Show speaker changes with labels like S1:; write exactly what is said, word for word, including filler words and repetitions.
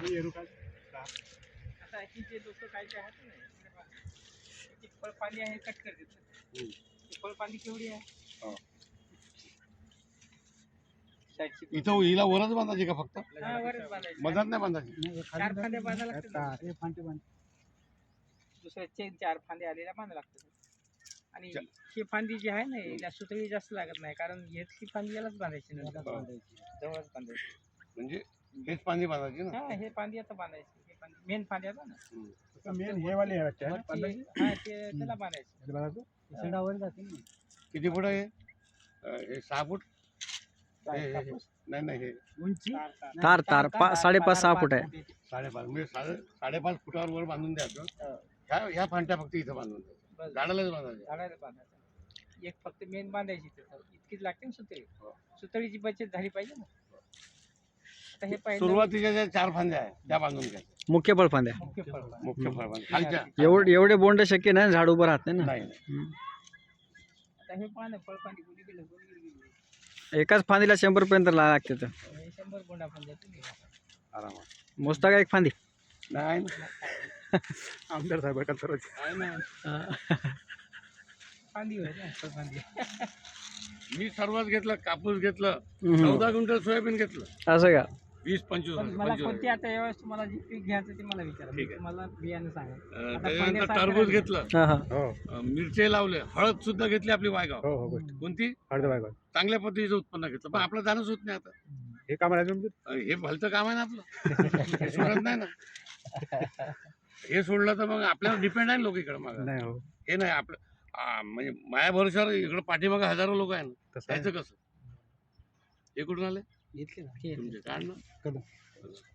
S1: आता ही जे लोक काय काय आहेत ना, ती फळपाली आहे कट कर देतात. फळपाली केवढी आहे?
S2: इथं हिला वरच बांधायची का फक्त?
S1: हा, वरच बांधायची.
S2: मधात नाही बांधायची?
S1: चार फांदे बांधायला लागतात. दुसऱ्या चेन चार फांदे आलेल्या बांधायला लागतात. आणि ही फांदी जी आहे ना, हिला सुतळी जास्त लागत नाही, कारण ही फांदी यालाच बांधायची नाही, जवळच बांधायची.
S2: म्हणजे हेच फांदी बांधायची ना?
S1: हा, हे फांदी आता बांधायची. हे फांदी मेन फांदी आहे ना,
S3: मेन हे वाले आहे वाटतं,
S1: वरची, हा, ते त्याला बांधायचं.
S2: किती फूट आहे हे? सहा फूट? हे- हे- हे. नाही नाही हे
S1: उंची
S4: तार तार पा साडेपाच सहा फूट आहे.
S2: साडेपाच म्हणजे साडे साडेपाच फुटावर वर बांधून द्यायचं. ह्या ह्या फांट्या फक्त इथं बांधून द्यायचं, झाडालाच बांधायचं.
S1: झाडाला बांधायचं. एक फक्त मेन बांधायची, इतकीच लागते ना सुतळी. सुतळीची बचत झाली पाहिजे ना. आता हे पाहिजे
S2: सुरुवातीच्या ज्या चार फांद्या आहेत त्या बांधून घ्यायच्या.
S4: मुख्य फळफांद्या.
S1: मुख्य फळ.
S2: मुख्य फळफांद्या खालच्या
S4: एवढे एवढे बोंड शक्य नाही, झाड उभं राहत नाही ना.
S2: नाही नाही.
S4: हम्म.
S1: आता हे पाहा ना, फळपांडी कुठे गेलं, कुठे गेलं.
S4: एकाच फांदीला शंभर पर्यंत लागते तर.
S1: हे शंभर बोंडा फांद्या तुम्ही
S2: आरामात.
S4: मोजता का एक फांदी?
S2: नाही ना.
S3: आमदार साहेब का सर्व
S2: नाही ना.
S1: फांदी होय ना, फळफांदी.
S2: मी सर्वच घेतलं, कापूस घेतलं,
S4: हम्म.
S2: चौदा क्विंटल सोयाबीन घेतलं,
S4: असं का?
S2: वीस पंचवीस
S1: पण मला
S2: पंचवीस
S1: कोणती आता यावेळेस तुम्हाला जे पीक घ्यायचं ते मला विचारा.
S2: ठीक आहे.
S1: मला बियाणं सांगा.
S2: अं,
S1: आता
S2: त्याच्यानंतर
S1: पहिल्या
S2: टरबूज
S1: सारखं
S2: घेतलं,
S4: हा हा.
S3: हो
S2: अं, मिरची लावले, हळद सुद्धा घेतली आपली वायगाव.
S3: हो हो गोष्ट
S2: कोणती?
S3: अर्ध बाय बाय
S2: चांगल्या पद्धतीचं उत्पन्न घेतलं, पण आपलं जाणंच होत नाही आता.
S3: हे काम आहे तुमचं.
S2: अं, हे भलतं काम आहे ना आपलं. हे सोडत नाही ना. हे सोडलं तर मग आपल्यावर डिपेंड आहे लोक इकडे मागं.
S3: नाही हो
S2: हे नाही आपलं आ, म्हणजे माया भरोशावर इकडे पाठीमागं हजारो लोक आहे ना,
S3: तसं आहे.
S2: त्याचं कसं? हे कुठून आले
S1: घेतली ना.
S2: तुमचे? काय ना
S3: कदम.